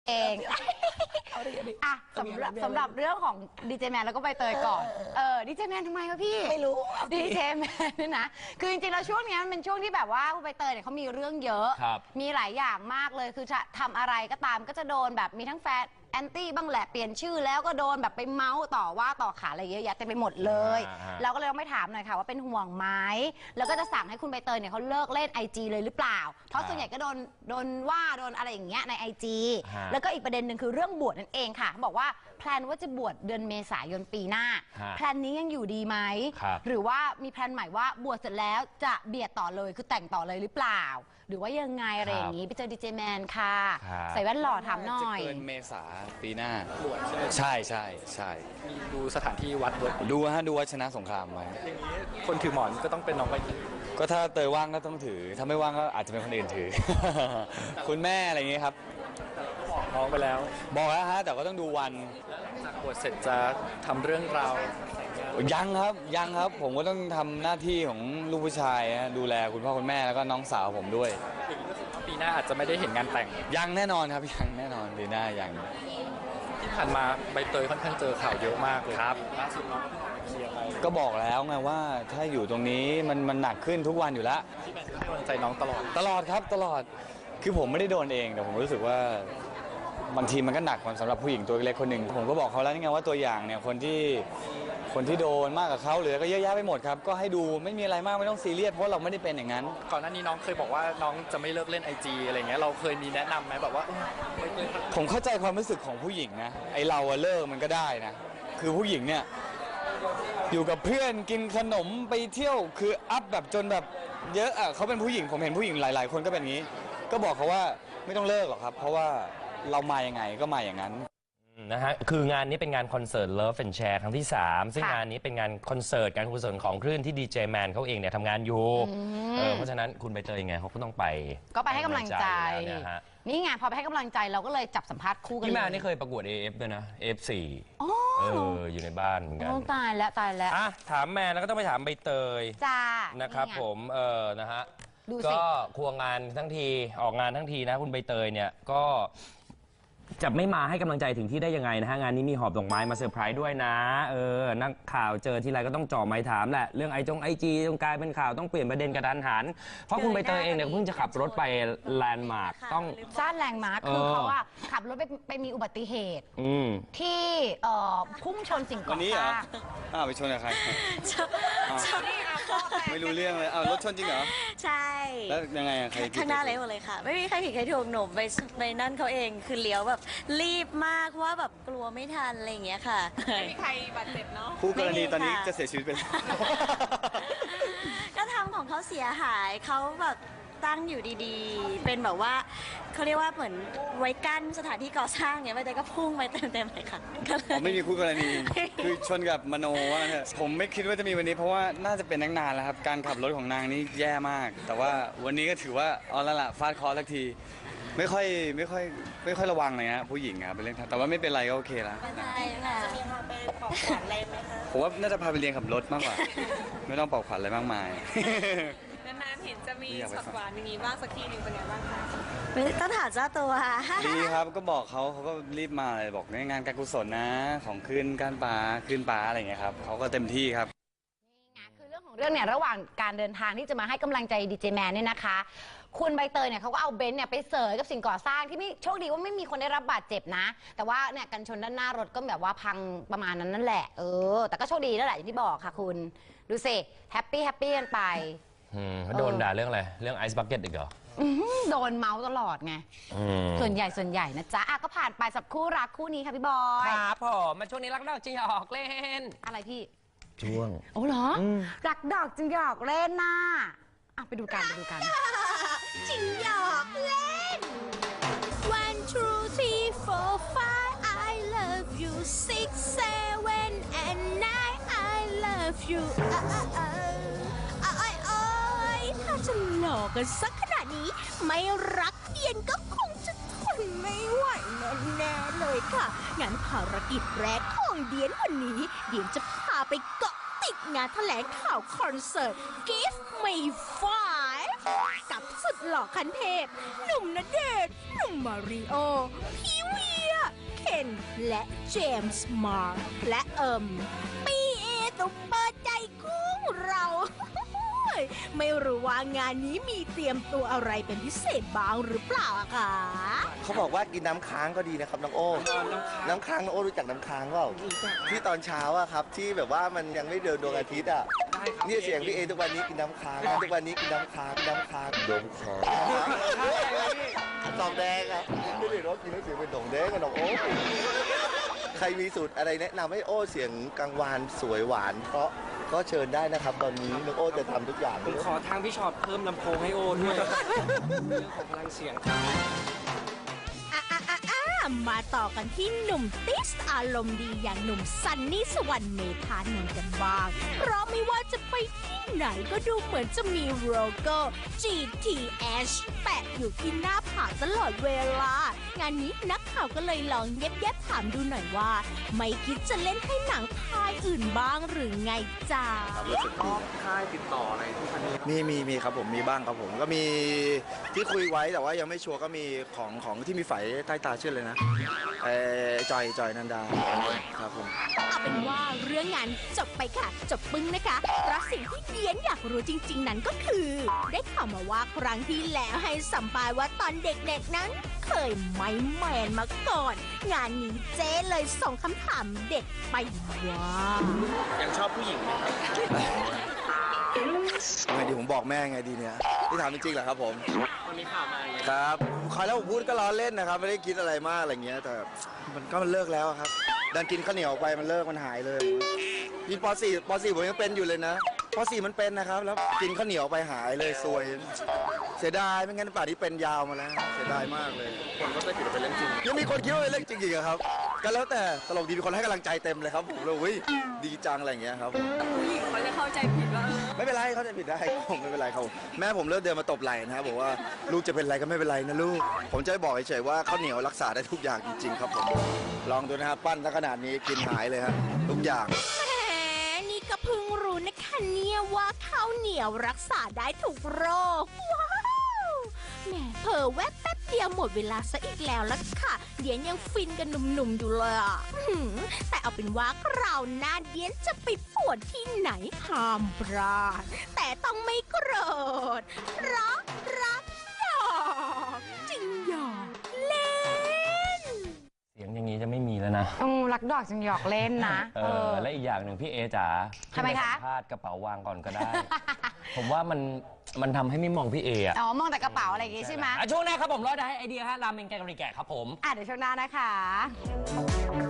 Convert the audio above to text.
เองอ่ะสำหรับเรื่องของดีเจแมนแล้วก็ใบเตยก่อนดีเจแมนทำไมคะพี่ไม่รู้ดีเจแมนนี่นะคือจริงๆแล้วช่วงนี้มันเป็นช่วงที่แบบว่าใบเตยเนี่ยเขามีเรื่องเยอะมีหลายอย่างมากเลยคือจะทำอะไรก็ตามก็จะโดนแบบมีทั้งแฟนแอนตี้บ้างแหละเปลี่ยนชื่อแล้วก็โดนแบบไปเมาส์ต่อว่าต่อขาอะไรเยอะแยะเต็มไปหมดเลยเราก็เลยต้องไปถามหน่อยค่ะว่าเป็นห่วงไหมแล้วก็จะสั่งให้คุณใบเตยเนี่ยเขาเลิกเล่น IG เลยหรือเปล่าเพราะส่วนใหญ่ก็โดนว่าโดนอะไรอย่างเงี้ยใน IG แล้วก็อีกประเด็นหนึ่งคือเรื่องบวชนั่นเองค่ะบอกว่าแพลนว่าจะบวชเดือนเมษายนปีหน้าแพลนนี้ยังอยู่ดีไหมหรือว่ามีแพลนใหม่ว่าบวชเสร็จแล้วจะเบียดต่อเลยคือแต่งต่อเลยหรือเปล่าหรือว่ายังไงอะไรอย่างนี้ไปเจอดีเจแมนค่ะใส่แว่นหล่อถามหน่อยจะเกินเมษาปีหน้าใช่ใช่ใช่ดูสถานที่วัดดูวัดชนะสงครามไว้อย่างนี้คนถือหมอนก็ต้องเป็นน้องใบเตยก็ถ้าเตยว่างก็ต้องถือถ้าไม่ว่างก็อาจจะเป็นคนอื่นถือ คุณแม่อะไรอย่างนี้ครับบอกน้องไปแล้วบอกแล้วฮะแต่ก็ต้องดูวันจากบวชเสร็จจะทำเรื่องราวยังครับผมก็ต้องทำหน้าที่ของลูกผู้ชายดูแลคุณพ่อคุณแม่แล้วก็น้องสาวผมด้วยปีหน้าอาจจะไม่ได้เห็นงานแต่งยังแน่นอนครับยังแน่นอนปีหน้ายังที่ผ่านมาใบเตยค่อนข้างเจอข่าวเยอะมากเลยครับล่าสุดน้องเคลียร์ไปก็บอกแล้วไงว่าถ้าอยู่ตรงนี้มันหนักขึ้นทุกวันอยู่แล้วที่แม่ให้กำลังใจน้องตลอดครับตลอดคือผมไม่ได้โดนเองแต่ผมรู้สึกว่าบางทีมันก็หนักสำหรับผู้หญิงตัวเล็กคนหนึ่งผมก็บอกเขาแล้วนี่ไงว่าตัวอย่างเนี่ยคนที่โดนมากกับเขาเหลือก็เยอะแยะไปหมดครับก็ให้ดูไม่มีอะไรมากไม่ต้องซีเรียสเพราะเราไม่ได้เป็นอย่างนั้นก่อนหน้านี้น้องเคยบอกว่าน้องจะไม่เลิกเล่น IG อะไรเงี้ยเราเคยมีแนะนำไหมแบบว่าผมเข้าใจความรู้สึกของผู้หญิงนะไอเราเลิกมันก็ได้นะคือผู้หญิงเนี่ยอยู่กับเพื่อนกินขนมไปเที่ยวคืออัพแบบจนแบบเยอะเขาเป็นผู้หญิงผมเห็นผู้หญิงหลายๆคนก็เป็นอย่างนี้ก็บอกเขาว่าไม่ต้องเลิกหรอกครับเพราะว่าเรามายังไงก็มาอย่างนั้นนะฮะคืองานนี้เป็นงานคอนเสิร์ต Love and Share ครั้งที่ 3ซึ่งงานนี้เป็นงานคอนเสิร์ตการกุศลของคลื่นที่ดีเจแมนเขาเองเนี่ยทำงานอยู่เพราะฉะนั้นคุณใบเตยไงเขาก็ต้องไปให้กำลังใจนี่ไงพอไปให้กำลังใจเราก็เลยจับสัมภาษณ์คู่กันพี่แมนนี่เคยประกวด AF ด้วยนะ AF4 อยู่ในบ้านเหมือนกันตายแล้วถามแมนแล้วก็ต้องไปถามใบเตยจ้านะครับผมนะฮะก็ควงงานทั้งทีออกงานทั้งทีนะคุณใบเตยเนี่ยก็จะไม่มาให้กำลังใจถึงที่ได้ยังไงนะฮะงานนี้มีหอบดอกไม้มาเซอร์ไพรส์ด้วยนะนักข่าวเจอทีไรก็ต้องจ่อไม้ถามแหละเรื่องIGต้องกลายเป็นข่าวต้องเปลี่ยนประเด็นกระทันหันเพราะคุณใบเตยเองเนี่ยเพิ่งจะขับรถไปแลนด์มาร์คต้องสร้างแลนด์มาร์คคือเขาว่าขับรถไปมีอุบัติเหตุที่พุ่งชนสิ่งก่อสร้างไปชนกับใครไม่รู้เรื่องเลยรถชนจริงเหรอใช่แล้วยังไงข้างหน้าเลยหมดเลยค่ะไม่มีใครผิดใครถูกหนูไปนั่นเขาเองคือเลี้ยวแบบรีบมากว่าแบบกลัวไม่ทันอะไรอย่างเงี้ยค่ะไม่มีใครบาดเจ็บเนาะคู่กรณีตอนนี้จะเสียชีวิตไปแล้วก็ทำของเขาเสียหายเขาแบบตั้งอยู่ดีๆเป็นแบบว่าเขาเรียกว่าเหมือนไว้กั้นสถานที่ก่อสร้างเนี่ยไม่ได้ก็พุ่งไปเต็มๆเลยค่ะไม่มีคู่กรณีคือชนกับมโนว่าเถอะผมไม่คิดว่าจะมีวันนี้เพราะว่าน่าจะเป็นนานแล้วครับการขับรถของนางนี่แย่มากแต่ว่าวันนี้ก็ถือว่าเอาละล่ะฟาดเคราะห์สักทีไม่ค่อยระวังเลยนะผู้หญิงครับเป็นเรื่องแต่ว่าไม่เป็นไรก็โอเคแล้วใช่ค่ะจะมีพาไปปลอบขวัญอะไรไหมคะผมว่าน่าจะพาไปเรียนขับรถมากกว่าไม่ต้องปลอบขวัญอะไรมากมายนานๆเห็นจะมีช็อตหวานอย่างนี้บ้างสักทีหนึ่งเป็นไงบ้างคะต้องถามเจ้าตัวดีครับก็บอกเขาก็รีบมาเลยบอกงานการกุศลนะของขึ้นการป่าขึ้นป่าอะไรอย่างเงี้ยครับเขาก็เต็มที่ครับนี่ไงคือเรื่องของเรื่องเนี่ยระหว่างการเดินทางที่จะมาให้กำลังใจดีเจแมนเนี่ยนะคะคุณใบเตยเนี่ยเขาก็เอาเบนซ์เนี่ยไปเสยกับสิ่งก่อสร้างที่ไม่โชคดีว่าไม่มีคนได้รับบาดเจ็บนะแต่ว่าเนี่ยกันชนด้านหน้ารถก็แบบว่าพังประมาณนั้นนั่นแหละแต่ก็โชคดีแล้วแหละอย่างที่บอกค่ะคุณดูสิแฮปปี้กันไปโดนด่าเรื่องอะไรเรื่องไอซ์บักเก็ตอีกเหรอโดนเมาส์ตลอดไงส่วนใหญ่นะจ๊ะก็ผ่านไปสับคู่รักคู่นี้ค่ะพี่บอยครับผมมาช่วงนี้รักดอกจึงหยอกเล่นอะไรพี่ช่วงโอ้เหรอรักดอกจึงหยอกเล่นน่ะไปดูกันจึงหยอกเล่น One two three four five I love you six seven and nine I love youถ้าจะหลอกกันสักขนาดนี้ไม่รักเย็นก็คงจะทนไม่ไหวแน่ๆเลยค่ะงั้นภารกิจแรกของเดียนวันนี้เดียนจะพาไปเกาะติดงานแถลงข่าวคอนเสิร์ต Give Me Five กับสุดหล่อคันเทพหนุ่มณเดชน์หนุ่มมาริโอพี่วีและเจมส์มาร์และปีเอซุปเปอร์ใจกุ้งเรา ไม่รู้ว่างานนี้มีเตรียมตัวอะไรเป็นพิเศษบ้างหรือเปล่าอะคะเขาบอกว่ากินน้ำค้างก็ดีนะครับน้องโอ้น้ำค้างน้องโอ้รู้จักน้ำค้างเปล่าที่ตอนเช้าอะครับที่แบบว่ามันยังไม่เดินดวงอาทิตย์อะนี่เสียงพี่เอทุกวันนี้กินน้ำค้างทุกวันนี้กินน้ำค้างน้ำค้างดมค้างดอกแดงอะไม่ได้รสกินแล้วเสียงเป็นดอกแดงกับดอกโอ้ใครมีสูตรอะไรแนะนำให้โอ้เสียงกังวานสวยหวานเพราะก็เชิญได้นะครับตอนนี้น้องโอ้จะทำทุกอย่างผมขอทางพี่ชอตเพิ่มลำโพงให้โอด้วย เรื่องของพลังเสียงครับมาต่อกันที่หนุ่มติสอารมณ์ดีอย่างหนุ่มซันนี่สวรรค์เมธานนท์กันบ้าง เพราะไม่ว่าจะไปที่ไหนก็ดูเหมือนจะมีโลโก้ GTH แปะอยู่ที่หน้าผากตลอดเวลา งานนี้นักข่าวก็เลยลองแยบๆถามดูหน่อยว่า ไม่คิดจะเล่นให้หนังพายอื่นบ้างหรือไงจ้าค่ายติดต่ออะไรทุกคนนี้มีครับผมมีบ้างครับผมก็มีที่คุยไว้แต่ว่ายังไม่ชัวร์ก็มีของที่มีไฝใต้ตาชื่อเลยนะจอยนันดาครับผมเอาเป็นว่าเรื่องงานจบไปค่ะ จบปึ้งนะคะเพราะสิ่งที่เดียนอยากรู้จริง ๆ นั้นก็คือ ได้ข่าวมาว่าครั้งที่แล้วให้สัมภาษณ์ว่าตอนเด็กๆนั้น เคยไม่แมนมาก่อน งานนี้เจ๊เลยส่งคำถามเด็ดไปว่ายังชอบผู้หญิงไหมครับไงดีผมบอกแม่ไงดีเนี่ยที่ถามจริงๆเหรอครับผมมันมีข่าวมาอย่างเงี้ยครับคอยแล้วผมพูดก็ล้อเล่นนะครับไม่ได้คิดอะไรมากอะไรเงี้ยแต่มันเลิกแล้วครับดันกินข้าวเหนียวไปมันเลิกมันหายเลยนี่ป .4 ผมยังเป็นอยู่เลยนะป .4 มันเป็นนะครับแล้วกินข้าวเหนียวไปหายเลยซวยเสียดายไม่งั้นป่านนี้เป็นยาวมาแล้วเสียดายมากเลยคนก็จะคิดว่าเป็นเรื่องจริงยังมีคนคิดว่าเป็นเรื่องจริงอีกเหรอครับก็แล้วแต่ตลกดีมีคนให้กำลังใจเต็มเลยครับผมเลยอุ้ยดีจังอะไรอย่างเงี้ยครับผู้หญิงเขาจะเข้าใจผิดว่าไม่เป็นไรเขาจะผิดได้ผมไม่เป็นไรครับแม่ผมเลิกเดินมาตบไหล่นะครับบอกว่าลูกจะเป็นอะไรก็ไม่เป็นไรนะลูกผมจะบอกเฉยๆว่าข้าวเหนียวรักษาได้ทุกอย่างจริงๆครับผมลองดูนะครับปั้นซะขนาดนี้กินหายเลยครับทุกอย่างแหมนี่ก็เพิ่งรู้นะคะเนี่ยว่าข้าวเหนียวรักษาได้ทุกโรค ว้าวแหมเผลอแวบแป๊บเดียวหมดเวลาซะอีกแล้วล่ะค่ะ เดียนยังฟินกันหนุ่มๆอยู่เลยอ่ะแต่เอาเป็นว่าคราวหน้าเดียนจะไปปวดที่ไหนห้ามพลาดแต่ต้องไม่โกรธรักหยอกจริงหยอกเล่นเสียงอย่างนี้จะไม่มีแล้วนะรักดอกจึงหยอกเล่นนะและอีกอย่างหนึ่งพี่เอจ๋าทำไมคะสัมภาษณ์กระเป๋าวางก่อนก็ได้ ผมว่ามันทำให้ไม่มองพี่เออะอ๋อ มองแต่กระเป๋าอะไรอย่างงี้ใช่ไหมช่วงหน้าครับผมรอได้ไอเดียฮะราเมงแกงกะหรี่แกะครับผมเดี๋ยวช่วงหน้านะคะ